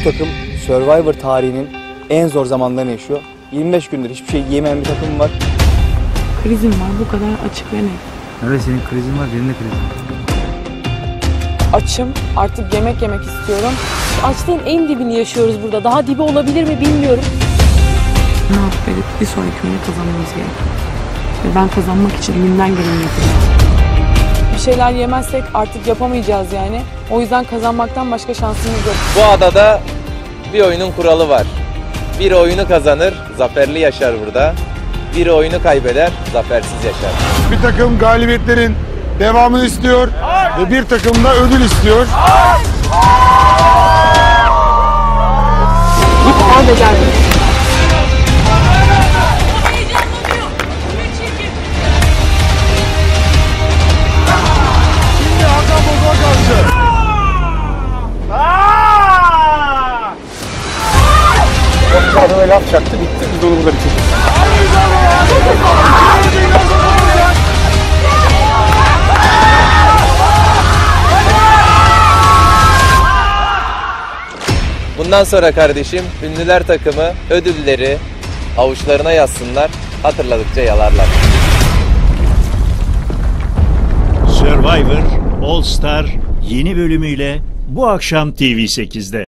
takım Survivor tarihinin en zor zamanlarını yaşıyor. 25 gündür hiçbir şey yiyemeyen bir takım var. Krizim var, bu kadar açık ve net. Evet, senin krizin var, benim de krizim var. Açım, artık yemek istiyorum. Açlığın en dibini yaşıyoruz burada. Daha dibi olabilir mi bilmiyorum. Ne yapıp edip bir sonraki oyunu kazanmamız gerekiyor. Ve ben kazanmak için elimden geleni yapacağım. Bir şeyler yemezsek artık yapamayacağız yani. O yüzden kazanmaktan başka şansımız yok. Bu adada bir oyunun kuralı var. Biri oyunu kazanır, zaferli yaşar burada. Biri oyunu kaybeder, zafersiz yaşar. Bir takım galibiyetlerin devamını istiyor ve bir takım da ödül istiyor. Git al ve gel. Şimdi Hakan Bozok'a karşı. Adama laf çaktı, bitti. Biz onu burada bitirdik. Bundan sonra kardeşim, ünlüler takımı ödülleri avuçlarına yazsınlar, hatırladıkça yalarlar. Survivor All Star yeni bölümüyle bu akşam TV8'de.